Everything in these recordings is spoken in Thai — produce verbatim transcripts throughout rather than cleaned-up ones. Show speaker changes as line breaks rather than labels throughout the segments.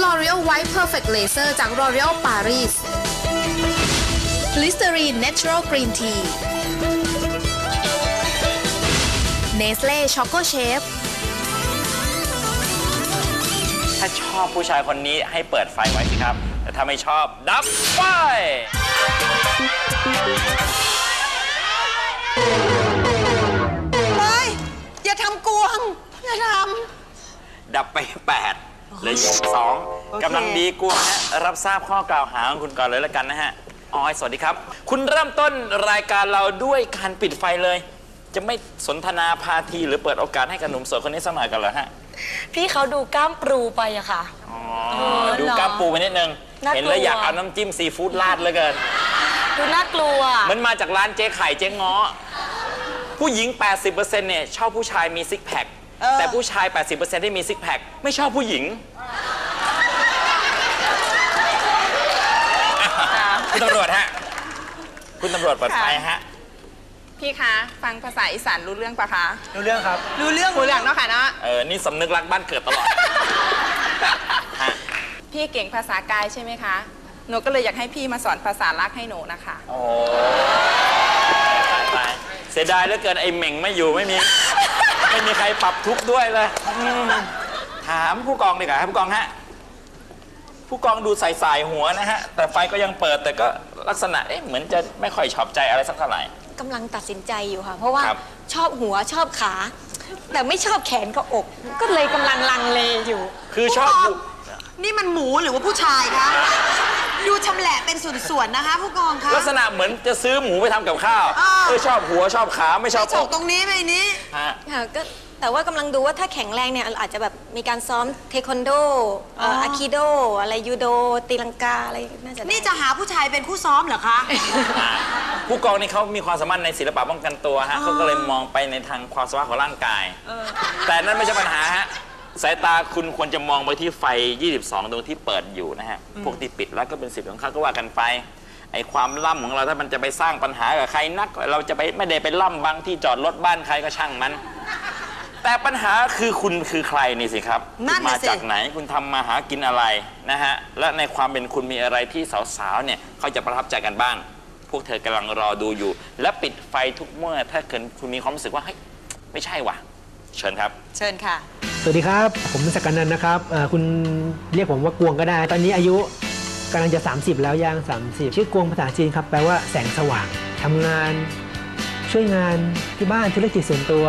L'Oreal White Perfect Laser จาก L'Oreal Paris Listerine Natural Green Tea Nestle Choco Chef
ถ้าชอบผู้ชายคนนี้ให้เปิดไฟไว้สิครับแต่ถ้าไม่ชอบดับไฟ
เฮ้ยอย่าทำกวงอย่าทำ
ดับไปแปดเหลืออยู่สองกำลังดีกวงฮะรับทราบข้อกล่าวหาของคุณก่อนเลยแล้วกันนะฮะออยสวัสดีครับคุณเริ่มต้นรายการเราด้วยการปิดไฟเลยจะไม่สนทนาพาทีหรือเปิดโอกาสให้กับหนุ่มโสดคนนี้สักหน่อยกันเหรอฮะ
พี่เขาดูกล้ามปรูไปอะค่ะ
ดูกล้ามปูไปนิดนึงเห็นแล้วอยากเอาน้ำจิ้มซีฟู้ดราดเลยเกิน
ดูน่ากลัว
มันมาจากร้านเจ๊ไข่เจ๊ง้อผู้หญิง แปดสิบเปอร์เซ็นต์ เนี่ยชอบผู้ชายมีซิกแพคแต่ผู้ชาย แปดสิบเปอร์เซ็นต์ ที่มีซิกแพคไม่ชอบผู้หญิงคุณตำรวจฮะคุณตำรวจเปิดไฟฮะ
พี่คะฟังภาษาอีสานรู้เรื่องปะคะ
รู้เรื่องครับ
รู้เรื่อง
รู้เรื่องเนาะค่ะเนาะ
เออนี่สำนึกรักบ้านเกิดตลอด
พี่เก่งภาษากายใช่ไหมคะหนูก็เลยอยากให้พี่มาสอนภาษารักให้หนูนะคะ
โอ้ตายเสียดายเหลือเกินไอ้เหม่งไม่อยู่ไม่มีไม่มีใครปรับทุกข์ด้วยเลยถามผู้กองดีกว่าครับผู้กองฮะผู้กองดูใส่ๆหัวนะฮะแต่ไฟก็ยังเปิดแต่ก็ลักษณะเอ๊ะเหมือนจะไม่ค่อยชอบใจอะไรสักเท่าไหร่
กำลังตัดสินใจอยู่ค่ะเพราะว่าชอบหัวชอบขาแต่ไม่ชอบแขนกับอก ก็เลยกำลังลังเลอยู่
คือชอบ
นี่มันหมูหรือว่าผู้ชายคะดูชำแหละเป็นส่วนๆนะคะผู้กองคะ
ลักษณะเหมือนจะซื้อหมูไปทำกับข้าวเออชอบหัวชอบขาไม่ชอบอก
ตรงนี้ไม่นี้
ค่ะก็แต่ว่ากำลังดูว่าถ้าแข็งแรงเนี่ยอาจจะแบบมีการซ้อมเทควันโดอาคิโดอะไรยูโดตีลังกาอะไรน่าจะ
นี่จะหาผู้ชายเป็นคู่ซ้อมเหรอคะ
ผู้กองนี่เขามีความสามารถในศิลปะป้องกันตัวฮะเขาก็เลยมองไปในทางความสามารถของร่างกายแต่นั่นไม่ใช่ปัญหาฮะสายตาคุณควรจะมองไปที่ไฟยี่สิบสองดวงที่เปิดอยู่นะฮะพวกที่ปิดแล้วก็เป็นสิทธิ์ของเขาก็ว่ากันไปไอ้ความล่ำของเราถ้ามันจะไปสร้างปัญหากับใครนักเราจะไปไม่ได้ไปล่ำบางที่จอดรถบ้านใครก็ช่างมันแต่ปัญหาคือคุณคือใครนี่สิครับคุณมาจากไหนคุณทำมาหากินอะไรนะฮะและในความเป็นคุณมีอะไรที่สาวๆเนี่ยเขาจะประทับใจกันบ้างพวกเธอกำลังรอดูอยู่และปิดไฟทุกเมื่อถ้าเกิดคุณมีความรู้สึกว่าเฮ้ยไม่ใช่ว่ะเชิญครับ
เชิญค่ะ
สวัสดีครับผมศักดิ์นันท์นะครับคุณเรียกผมว่ากวงก็ได้ตอนนี้อายุกำลังจะสามสิบแล้วย่างสามสิบชื่อกวงภาษาจีนครับแปลว่าแสงสว่างทำงานช่วยงานที่บ้านธุรกิจส่วนตัว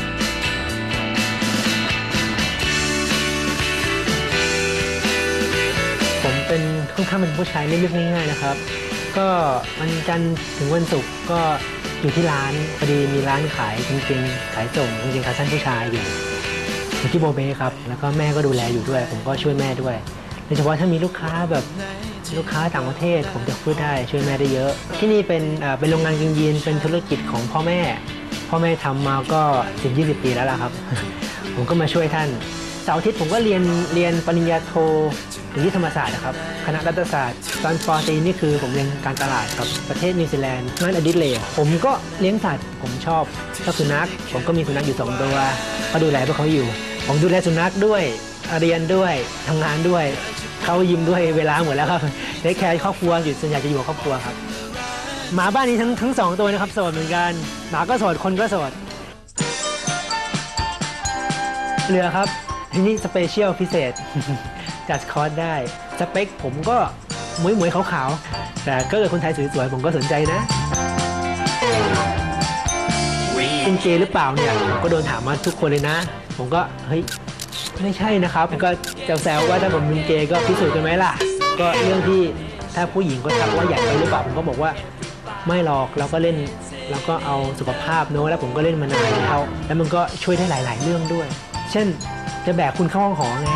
ผมเป็นค่อนข้างเป็นผู้ชายเรียบง่ายๆนะครับก็วันจันทร์ถึงวันศุกร์ก็อยู่ที่ร้านพอดีมีร้านขายจริงๆขายส่งจริงๆขาสั้นผู้ชายอยู่อยู่ที่โบเบ้ครับแล้วก็แม่ก็ดูแลอยู่ด้วยผมก็ช่วยแม่ด้วยโดยเฉพาะถ้ามีลูกค้าแบบลูกค้าต่างประเทศผมจะพูดได้ช่วยแม่ได้เยอะที่นี่เป็นเป็นโรงงานกางยีนเป็นธุรกิจของพ่อแม่พ่อแม่ทำมาก็สิบยี่สิบปีแล้วล่ะครับผมก็มาช่วยท่านเสาร์อาทิตย์ผมก็เรียนเรียนปริญญาโทอยู่ที่ธรรมศาสตร์นะครับคณะรัฐศาสตร์ตอนปอตรีนี่คือผมเรียนการตลาดกับประเทศนิวซีแลนด์งานอดิเรกผมก็เลี้ยงสัตว์ผมชอบชอบสุนัขผมก็มีสุนัขอยู่สองตัวก็ดูแลพวกเขาอยู่ผมดูแลสุนัขด้วยเรียนด้วยทำงานด้วยเขายิ้มด้วยเวลาหมดแล้วครับเทคแคร์ครอบครัวอยู่ส่วนใหญ่จะอยู่กับครอบครัวครับหมาบ้านนี้ทั้งทั้งสองตัวนะครับโสดเหมือนกันหมาก็โสดคนก็โสดเรือครับที่นี่สเปเชียลพิเศษจัดคอร์สได้สเปคผมก็หมวยหมวยขาวๆแต่ก็เกิดคนไทยสวยๆผมก็สนใจนะเป็นเกย์หรือเปล่าเนี่ยผมก็โดนถามมาทุกคนเลยนะผมก็เฮ้ยไม่ใช่นะครับก็แซวๆว่าถ้าผมเป็นเกย์ก็พิสูจน์กันไหมล่ะก็เรื่องที่ถ้าผู้หญิงก็ทักว่าอยากไปหรือเปล่าผมก็บอกว่าไม่หรอกเราก็เล่นแล้วก็เอาสุขภาพเนอะแล้วผมก็เล่นมานานแล้วแล้วมันก็ช่วยได้หลายๆเรื่องด้วยเช่นจะแบกคุณเข้าห้องหอไง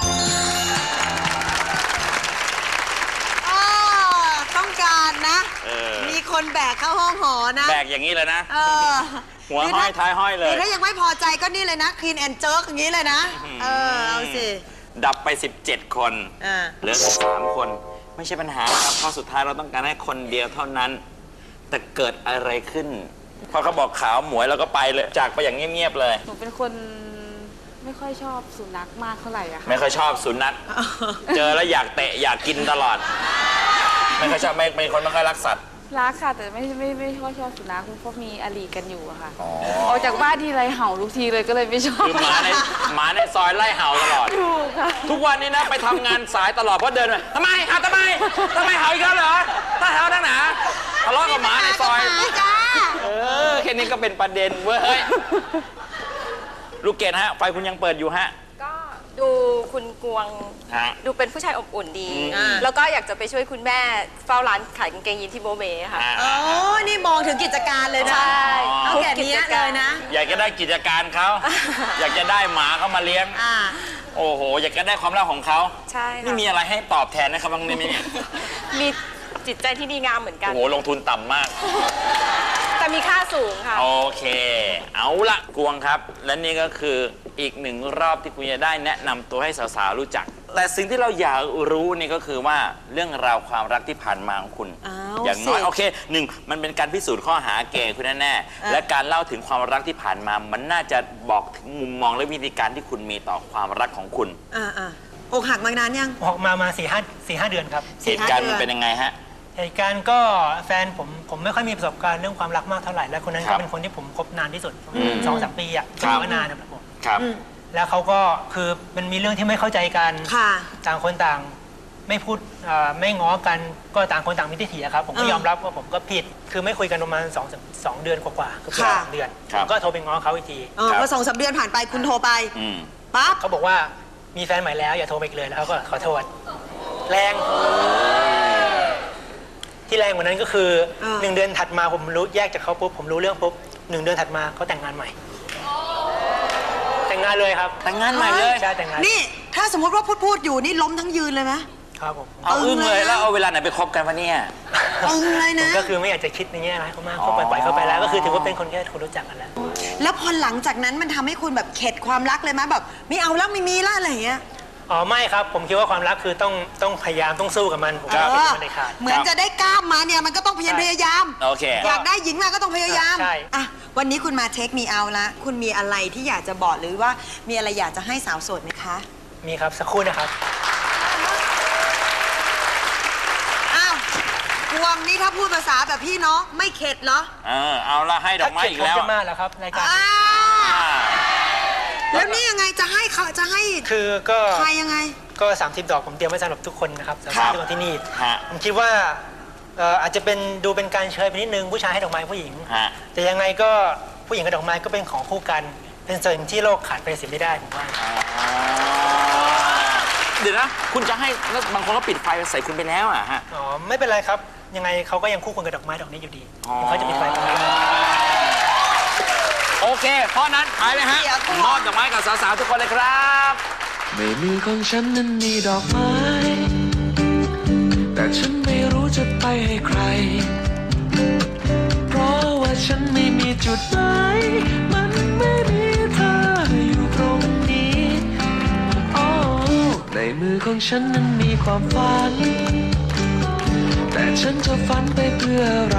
ต้องการนะมีคนแบกเข้าห้องหอนะ
แบกอย่างนี้เลยนะหัวห้อยท้ายห้อยเลย
หรือถ้ายังไม่พอใจก็นี่เลยนะคลีนแอนด์เจิร์กอย่างนี้เลยนะเออเอาสิ
ดับไปสิบเจ็ดคนเหลือสามคนไม่ใช่ปัญหาครับเพราะสุดท้ายเราต้องการให้คนเดียวเท่านั้นแต่เกิดอะไรขึ้นพอเขาบอกขาวหมวยเราก็ไปเลยจากไปอย่างเงียบๆเลย
หนูเป็นคนไม่ค่อยชอบสุนัขมากเท่าไหร่อะค่ะ
ไม่ค่อยชอบสุนัข เจอแล้วอยากเตะอยากกินตลอด ไม่ค่อยชอบไม่เป็นคนไม่ค่อยรักสัตว์
รักค่ะแต่ไม่ไม่ไม่ค่อยชอบสุนัขเพราะมีอลีกันอยู่อะค่ะ
อ๋อ
ออกจากบ้านทีไรเห่าทุกทีเลยก็เลยไม่ชอบ
คือหมาในหมาในซอยไล่เห่าตลอด
ถูกค่ะ
ทุกวันนี้นะไปทำงานสายตลอดเพราะเดินไปทำไมเห่าทำไมทำไมเห่าอีกแล้วเหรอถ้าเห่าทั้งหนาทะเลาะกับหมาในซอย
จ้า
เออแค่นี้ก็เป็นประเด็นเว้ยลูกเกดฮะไฟคุณยังเปิดอยู่ฮะ
ก็ดูคุณกวง
ฮะ
ดูเป็นผู้ชายอบอุ่นดี
อืม
แล้วก็อยากจะไปช่วยคุณแม่เฝ้าร้านขายกางเกงยีนที่โบเบค่ะ
ฮะ
โอ้นี่มองถึงกิจการเลยนะ
ใช่
เอาแก่เนี้ยเลยนะ
อยากจะได้กิจการเขา อยากจะได้หมาเขามาเลี้ยง
อ่า
โอ้โห อยากจะได้ความรักของเขา
ใช่ค่ะ
นี่มีอะไรให้ตอบแทนนะครับบางนี่มี
มีจิตใจที่ดีงามเหมือนกัน
โอ้โห ลงทุนต่ำมาก
แต่มีค่าสูงค่ะ
โอเค เอาละกวงครับ และนี่ก็คืออีกหนึ่งรอบที่คุณจะได้แนะนำตัวให้สาวๆรู้จัก แต่สิ่งที่เราอยากรู้นี่ก็คือว่าเรื่องราวความรักที่ผ่านมาของคุณ
อ้าว
อย่างน้อย
สิ
โอเคหนึ่งมันเป็นการพิสูจน์ข้อหาเกย์คุณแน่ๆและการเล่าถึงความรักที่ผ่านมา มันน่าจะบอกถึงมุมมองและวิธีการที่คุณมีต่อความรักของคุณ
อ่าอ่าอกหักมานานยัง
ออกมามาสี่ห้าสี่ห้าเดือนครับ
เหตุการณ์มันเป็นยังไงฮะ
เหตุการณ์ก็แฟนผมผมไม่ค่อยมีประสบการณ์เรื่องความรักมากเท่าไหร่และคนนั้น
ครั
ก็
บ
เป็นคนที่ผมคบนานที่สุด
อืม
สองสามปีอ่ะ
ครับ
ถือว่านานนะครับผม
ครับ
แล้วเขาก็คือมันมีเรื่องที่ไม่เข้าใจกัน
ค่ะ
ต่างคนต่างไม่พูดเอ่อไม่ง้อกันก็ต่างคนต่างมีทิฐิอะครับผมก็
อ่าย
อมรับว่าผมก็ผิดคือไม่คุยกันประมาณสองสองเดือนกว่าๆเกือบ
ค่ะ
สามเดือน
ครั
ผ
บ
มก็โทรไปง้อเขาอีกที
เออ
ครับ
พอสองสามเดือนผ่านไปคุณโทรไป
อืม
ปั๊บ
เขาบอกว่ามีแฟนใหม่แล้วอย่าโทรไปอีกเลยแล้วเขาก็ขอโทษแรง ที่แรงกว่านั้นก็คือ
เออ
หนึ่งเดือนถัดมาผมรู้แยกจากเขาปุ๊บผมรู้เรื่องปุ๊บหนึ่งเดือนถัดมาเขาแต่งงานใหม่ แต่งงานเลยครับ
แต่งงานใหม่เลย
ใช่แต่งงาน
นี่ถ้าสมมติว่าพูดพูดอยู่นี่ล้มทั้งยืนเลยไหม
ครับผม
เอาอึ้งเลยแล้วเอาเวลาไหนไปคบกันวะเนี่ย
อึ้งเลย
ผม
นะ
ก็คือไม่อยากจะคิดในแง่ร้ายเขามาก
อ๋อ
เขาปล่อยๆเขาไปแล้วก็คือถือว่าเป็นคนแค่คนรู้จักกันแล้ว
แล้วพอหลังจากนั้นมันทำให้คุณแบบเข็ดความรักเลยไหมแบบไม่เอาแล้วไม่มีละอะไรอย่างเงี้ย
อ๋อไม่ครับผมคิดว่าความรักคือต้องต้องพยายามต้องสู้กับมันผม
เอ
ไม่คิด
อ
ว่ามันได้ขาด
เหมือนจะได้กล้ามมาเนี่ยมันก็ต้องพยายาม
ใช่
พยายาม
โอเค
อยากได้หญิงมาก็ต้องพยายาม
ใช่
อ่ะวันนี้คุณมาเทคมีเอาละคุณมีอะไรที่อยากจะบอกหรือว่ามีอะไรอยากจะให้สาวโสดไหมคะ
มีครับสักครู่นะครับ
อ้าวกวงนี่ถ้าพูดภาษาแบบพี่น้องไม่เข็ดเหรอ
เออ เอาละให้ดอกไม้อีกแล้ว
ผมจะมาแล้วครับรายการ
อ้า
อ่า
แล้วนี่ยังไงจะให้เขาจะให้
คือก็
ใครยังไง
ก็สามสิบดอกผมเตรียมไว้สำหรับทุกคนนะครับสำห
ครั
รับบ ทุกคนที่นี่
ฮะ
ผมคิดว่าเอ่ออาจจะเป็นดูเป็นการเชยไปนิดนึงผู้ชายให้ดอกไม้ผู้หญิง
ฮะ
แต่ยังไงก็ผู้หญิงกับดอกไม้ก็เป็นของคู่กัน เป็นสิ่งที่โลกขาดไปเสียไม่ได้ผมว่า
เดี๋ยวนะ คุณจะให้แล้วบางคนก็ปิดไฟใส่คุณไปแล้วอ่ะฮะ
อ๋อไม่เป็นไรครับ ยังไงเขาก็ยังคู่ควรกับดอกไม้ดอกนี้อยู่ดี
อ๋อ
เขาจะปิดไฟตรงนี้
โอเค เพราะนั้นไปเลยฮะ
เดี๋ยวก่อน
มอบดอกไม้กับสาวๆทุกคนเลยครับ
ในมือของฉันนั้นมีดอกไม้ แต่ฉันไม่รู้จะไปให้ใคร เพราะว่าฉันไม่มีจุดหมายมันไม่มีเธออยู่ตรงนี้โอ้ในมือของฉันนั้นมีความฝัน แต่ฉันจะฝันไปเพื่ออะไร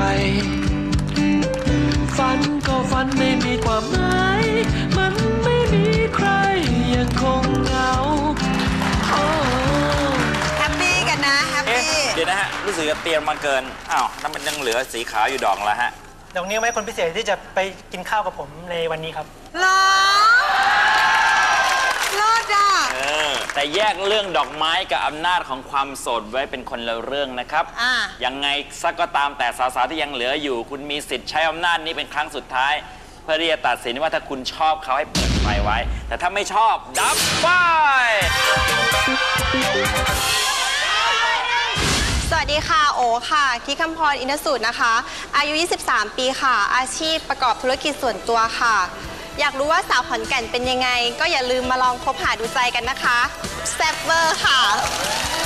ฝันก็ฝันไม่มีความหมายมันไม่มีใครยังคงเหงาโอ้
แฮปปี้กันนะแฮป
เอ๊ะ
ปี้
เดี๋ยวนะฮะ รู้สึกจะเตรียมมาเกิน อ้าวนั่นมันยังเหลือสีขาวอยู่ดอกแล้วฮะ
ดอกนี้ไว้คนพิเศษที่จะไปกินข้าวกับผมในวันนี้ครับ
เหรอเลิศอ่ะ
เออ แต่แยกเรื่องดอกไม้กับอำนาจของความโสดไว้เป็นคนละเรื่องนะครับ
อ่า
ยังไงสักก็ตามแต่สาวๆที่ยังเหลืออยู่ คุณมีสิทธิ์ใช้อำนาจนี้เป็นครั้งสุดท้าย เพื่อที่จะตัดสินว่าถ้าคุณชอบเขาให้เปิดไฟไว้ แต่ถ้าไม่ชอบดับไฟ
สวัสดีค่ะ โอค่ะที่คำพรอินทสูตรนะคะ อายุ ยี่สิบสาม ปีค่ะ อาชีพประกอบธุรกิจส่วนตัวค่ะ อยากรู้ว่าสาวขอนแก่นเป็นยังไง ก็อย่าลืมมาลองคบหาดูใจกันนะคะแซ่บเวอร์ค่ะ